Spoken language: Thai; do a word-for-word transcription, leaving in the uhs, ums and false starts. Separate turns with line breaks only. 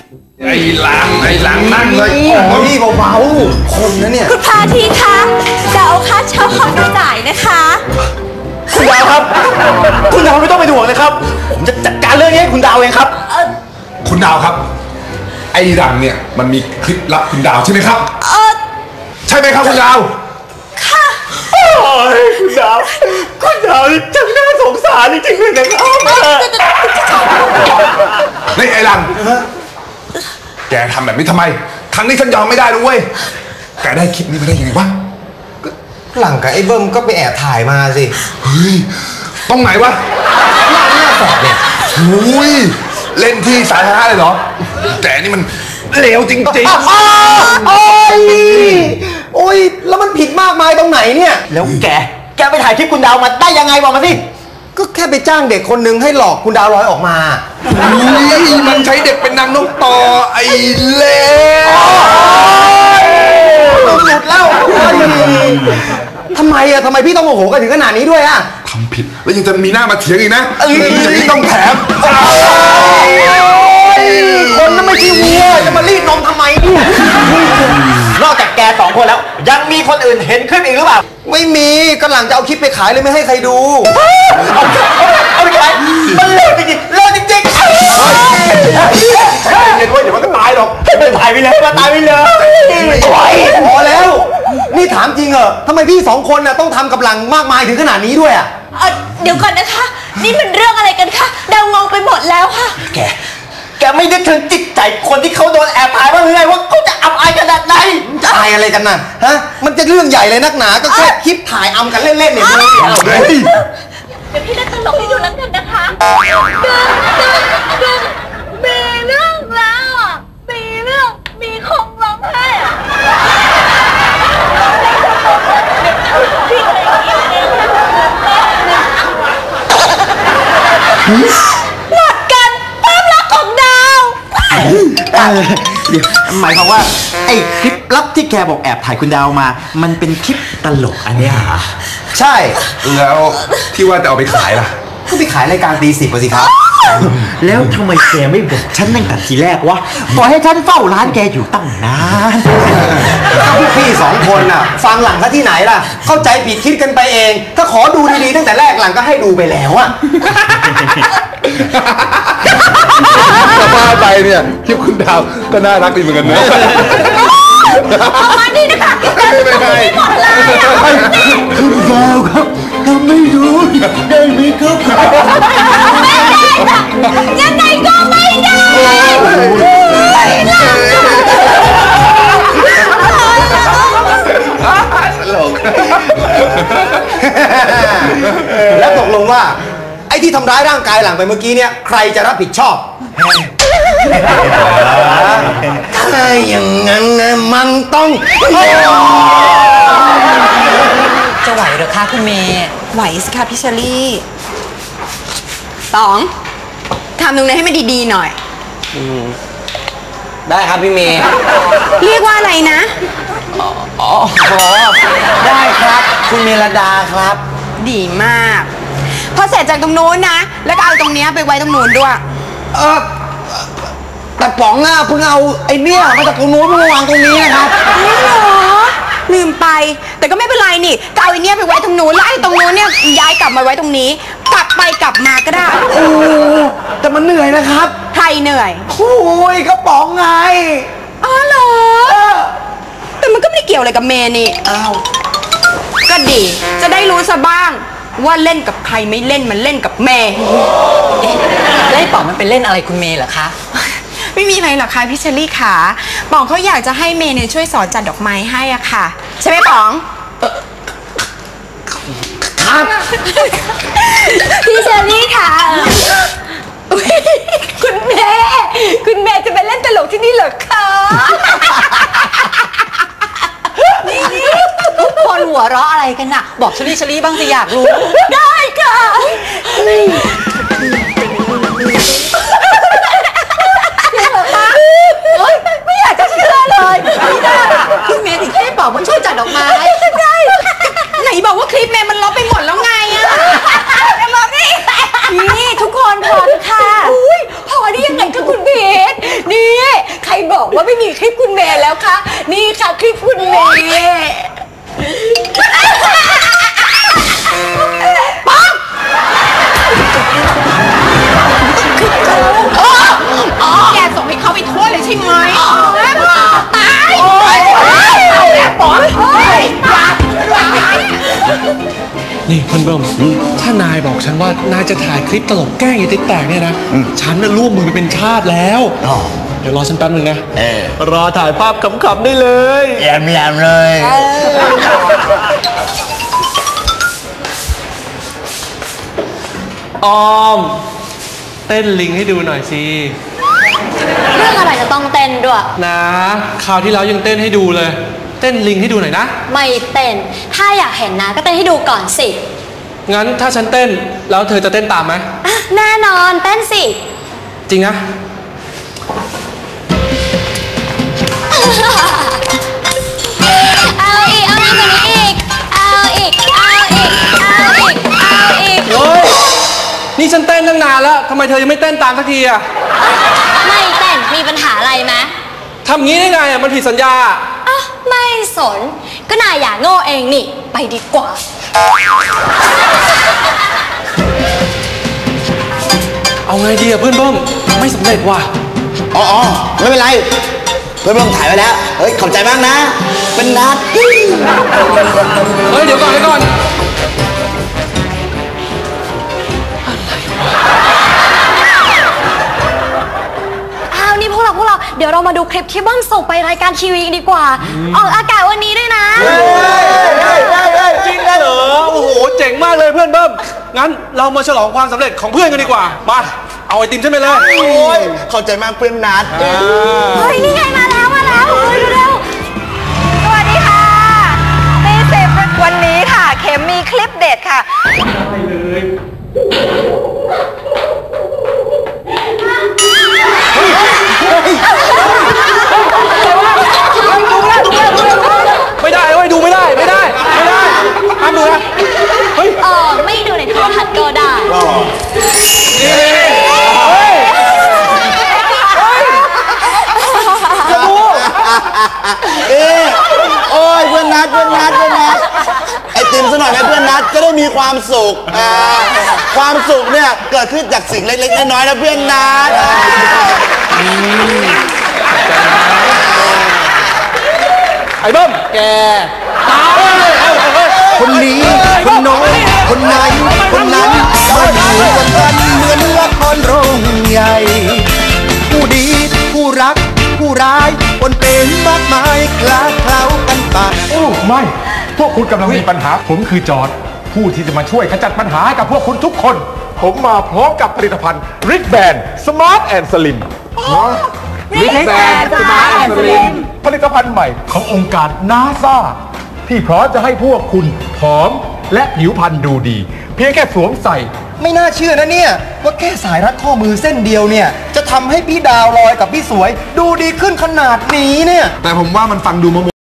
ไอ้หลังไอ้หลังนั่งเลย
พี่เบาๆคนนะเนี่ย
คุณพาทีคะดาวค่าเช่าห้องจ่ายนะคะ
คุณดาวครับคุณดาวไม่ต้องไปห่วงเลยครับผมจะจัดการเรื่องนี้ให้คุณดาวเองครับ
คุณดาวครับไอ้หลังเนี่ยมันมีคลิปลับคุณดาวใช่ไหมครับ
เออ
ใช่ไหมครับคุณดาว
ค่ะ
โอ้ยคุณดาวคุณดาวนี่จังน่าสงสารจริงๆเลยนะครับ
นี่ไอ้หลังแกทำแบบนี้ทำไมครั้งนี้ฉันยอมไม่ได้เลยเว้ยแกได้คลิปนี้มาได้ยังไงวะ
หลังกับไอ้เบิ้มก็ไปแอบถ่ายมาสิ
เฮ้ยตรงไหนวะ
หน้าหน้าแสบเนี่ย
อุ้ยเล่นที่สาธารณะเลยเหรอแกนี่มันเลวจริงๆ
โอ้ยโอ้ยแล้วมันผิดมากมายตรงไหนเนี่ยแล้วแกแกไปถ่ายคลิปคุณดาวมาได้ยังไงบอกมาสิก็แค่ไปจ้างเด็กคนหนึ่งให้หลอกคุณดาวลอยออกมา
อุ้ยมันใช้เด็กเป็นนางนกต่อไอ้เลว
หลุดแล้วทำไมอะทำไมพี่ต้องโมโหกันถึงขนาดนี้ด้วยอะ
ทำผิดแล้วยังจะมีหน้ามาเถียงอีกนะอย่างนี้ต้องแถม
คนนั้นไม่ใช่วัวจะมารีดนมทำไมนอกจากแกสองคนแล้วยังมีคนอื่นเห็นคลิปอีกหรือเปล่าไม่มีกำลังจะเอาคลิปไปขายเลยไม่ให้ใครดูเอาไปขายมันเลิกจริงๆเลิกจริงๆเย็นๆเว้ยเดี๋ยวมันก็ตายหรอกมันตายไปเลยมันตายไปเลยพอแล้วนี่ถามจริงเหรอทำไมพี่สองคนน่ะต้องทำกับหลังมากมายถึงขนาดนี้ด้วยอ่ะ
เดี๋ยวก่อนนะคะนี่มันเรื่องอะไรกันคะดาวงงไปหมดแล้วค่ะ
แกแกไม่นึกถึงจิตใจคนที่เขาโดนแอบถ่ายบ้างหรือไงว่าเขาจะอับอายขนาดไหนจะอายอะไรกันน่ะฮะมันจะเรื่องใหญ่เลยนักหนาก็แค่คลิปถ่ายอำกันเล่นๆเนี่ยเลย
เดี๋ยวพี่เล่นตลกให้ดูแล้วกันนะคะดึงดึงดึงมีเรื่องแล้วอ่ะมีเรื่องมีคงร้องไห้อ่ะพี่อะไรกินเองหลักกันภาพลักษณ์ของดาว
เดี๋ยวหมายความว่าไอ้คลิปลับที่แกบอกแอบถ่ายคุณดาวมามันเป็นคลิปตลกอันนี้เหรอ
ใช่
แล้วที่ว่าจะเอาไปขายล่ะ
ก็ไปขายรายการตีสิบสิครับ
แล้วทำไมแกไม่บอกฉันตั้งแต่ทีแรกวะปล่อยให้ฉันเฝ้าร้านแกอยู่ตั้งนาน
ก็พวกพี่สองคนน่ะฟังหลังซะที่ไหนล่ะเข้าใจผิดคิดกันไปเองถ้าขอดูดีๆตั้งแต่แรกหลังก็ให้ดูไปแล้วอะ
จะบ้าไปเนี่ยคลิปคุณดาวก็น่ารักดีเหมือนกันนะ
มาดีนะคะไม่ไม่หมดเลย
คุณดาวครับทำไม่รู้ได้ไหมครับ
ไม่ได้ค่ะยังไงก็ไม่ได้
ตลก
แล้วตกลงว่าไอ้ที่ทำร้ายร่างกายหลังไปเมื่อกี้เนี่ยใครจะรับผิดชอบถ้าอย่างนั้นมันต้อง
จะไหวหรือคะคุณเมย์
ไหวสิคะพี่เชอรี่สองทำตรงนี้ให้มันดีๆหน่อย
ได้ครับพี่เมย์
เรียกว่าอะไรนะ
อ๋อได้ครับคุณเมลดาครับ
ดีมากพอเสร็จจากตรงนู้นนะแล้วก็เอาตรงนี้ไปไว้ตรงนู้นด้วย
เออแต่ป๋องอ่ะเพิ่งเอาไอ้เนี่ยมาจากตรงนู้นมาวางตรงนี้นะครับ
ไม่หรอลืมไปแต่ก็ไม่เป็นไรนี่ก็เอาไอ้เนี่ยไปไว้ตรงนู้นแล้วไอ้ตรงนู้นเนี่ยย้ายกลับมาไว้ตรงนี้กลับไปกลับมาก็ได้
โอ้แต่มันเหนื่อยนะครับ
ใครเหนื่อย
โอ้ยกระป๋องไง
อ๋อเหรอแต่มันก็ไม่ได้เกี่ยวอะไรกับเมย์นี่
อ้าว
ก็ดีจะได้รู้ซะบ้างว่าเล่นกับใครไม่เล่นมันเล่นกับเมย์
แล้วไอ้ป๋องมันเป็นเล่นอะไรคุณเมย์เหรอคะ
ไม่มีอะไรหรอกค่ะพี่เชอรี่ค่ะป๋องเขาอยากจะให้เมย์เนี่ยช่วยสอนจัดดอกไม้ให้อ่ะค่ะใช่ไหมป๋อง
ครับ
พี่เชอรี่ค่ะคุณแม่คุณแม่จะไปเล่นตลกที่นี่เหรอคะ
นี่ทุกคนหัวเราะอะไรกันน่ะบอกชลี่ชลี่บ้างสิอยากรู้
ได้ค่ะไม่อยากจะเชื่อเลย
ไม่ได้คุณเมย์ถึงให้บอกมันช่วยจัดดอกไม้
ได้ไหนบอกว่าคลิปเมย์มันลบไปหมดแล้วไงอะจะบอกนี่นี่ทุกคนพอเถอะค่ะพอได้ยังไงก็คุณพีทนี่
บอกว่าไม่มีคลิปคุณเมย์แล้วคะนี่ค่ะคลิปคุณเมย์ป๊อกแกส่งให้เขาไปทั่วเลยใช่ไหมตายโอ๊ยแล้วป๊อกเฮ้ย
นี่เพื่อนเบิ้มถ้านายบอกฉันว่านายจะถ่ายคลิปตลกแกล้งไอ้ติ๊กแตกเนี่ยนะฉันน่ะร่วมมือเป็นชาติแล้วเดี๋ยวรอฉันแป๊บนึงนะรอถ่ายภาพขำๆได้เลย
แยมแยมเลย
ออมเต้นลิงให้ดูหน่อยสิ
เรื่องอะไรจะต้องเต้นด้วย
นะคราวที่แล้วยังเต้นให้ดูเลยเต้นลิงให้ดูหน่อยนะ
ไม่เต้นถ้าอยากเห็นนะก็เต้นให้ดูก่อนสิ
งั้นถ้าฉันเต้นแล้วเธอจะเต้นตามไหม
แน่นอนเต้นสิ
จริงนะ
เอาอีกเอาอีกกว่านี้อีกเอาอีกเอาอีกเอาอีกเอาอีก
เฮ้ยนี่ฉันเต้นตั้งนานแล้วทำไมเธอยังไม่เต้นตามสักทีอะ
ไม่เต้นมีปัญหาอะไรไหม
ทำงี้ได้ไงอะมันผิดสัญญา
อ่ะไม่สนก็นายอย่าโง่เองนี่ไปดีกว่า
เอาไงดีอะเพื่อนเบิ้มไม่สำเร็จว่ะ
อ๋อไม่เป็นไรเพื่อนเบิ้มถ่ายไว้แล้วเฮ้ยขอบใจมากนะเป็นนัด
เฮ้ยเดี๋ยวก่อนเดี๋ยวก่อน
นี่พวกเราพวกเราเดี๋ยวเรามาดูคลิปที่บ้อมส่งไปรายการทีวีดีกว่าออกอากาศวันนี้ด้วยนะ
จริงเหรอโอ้โหเจ๋งมากเลยเพื่อนเบิ้มงั้นเรามาฉลองความสำเร็จของเพื่อนกันดีกว่ามาเอาไอติมใช่ไหมเลย
โอ้ยขอบใจมากเพื่อนนัด
เฮ้ยนี่ไงมาแล้วมาแล้วเฮ้ยเร็วสวัสดีค่ะตีสิบวันนี้ค่ะเข็มมีคลิปเด็ดค่ะ
ได้เลยไม่ได้เว้ยดูไม่ได้ไม่ได้ไม่ได้ห้ามดูนะเฮ้ย
เออไม่ดูในโทรทัศน์ก็ได้
เฮ้ยจะดู
เอ๊ะโอ้ยเพื่อนนัดเพื่อนนัดเพื่อนนัดไอติมซะหน่อยไหมเพื่อนนัดจะได้มีความสุขความสุขเนี่ยเกิดขึ้นจากสิ่งเล็กๆน้อยๆนะเพื่อนนัด
ไอ้เบิ้มแกตาย
คนนี้คนโน้นคนไหนคนนั้นมาอยู่กันกันเหมือนละครโรงใหญ่ผู้ดีผู้รักผู้ร้ายปนเป็นมากมายคลาเคล้ากันไป
โอ้ไม่พวกคุณกำลังมีปัญหาผมคือจอร์จผู้ที่จะมาช่วยขจัดปัญหากับพวกคุณทุกคนผมมาพร้อมกับผลิตภัณฑ์ริกแบนสมาร์ทแอนด์สลิมริกแบนสมาร์ทแอนด์สลิมผลิตภัณฑ์ใหม่ขององค์การนาซาที่พร้อมจะให้พวกคุณผอมและผิวพรรณดูดีเพียงแค่สวมใส่
ไม่น่าเชื่อนะเนี่ยว่าแค่สายรัดข้อมือเส้นเดียวเนี่ยจะทำให้พี่ดาวลอยกับพี่สวยดูดีขึ้นขนาดนี้เนี่ย
แต่ผมว่ามันฟังดูโม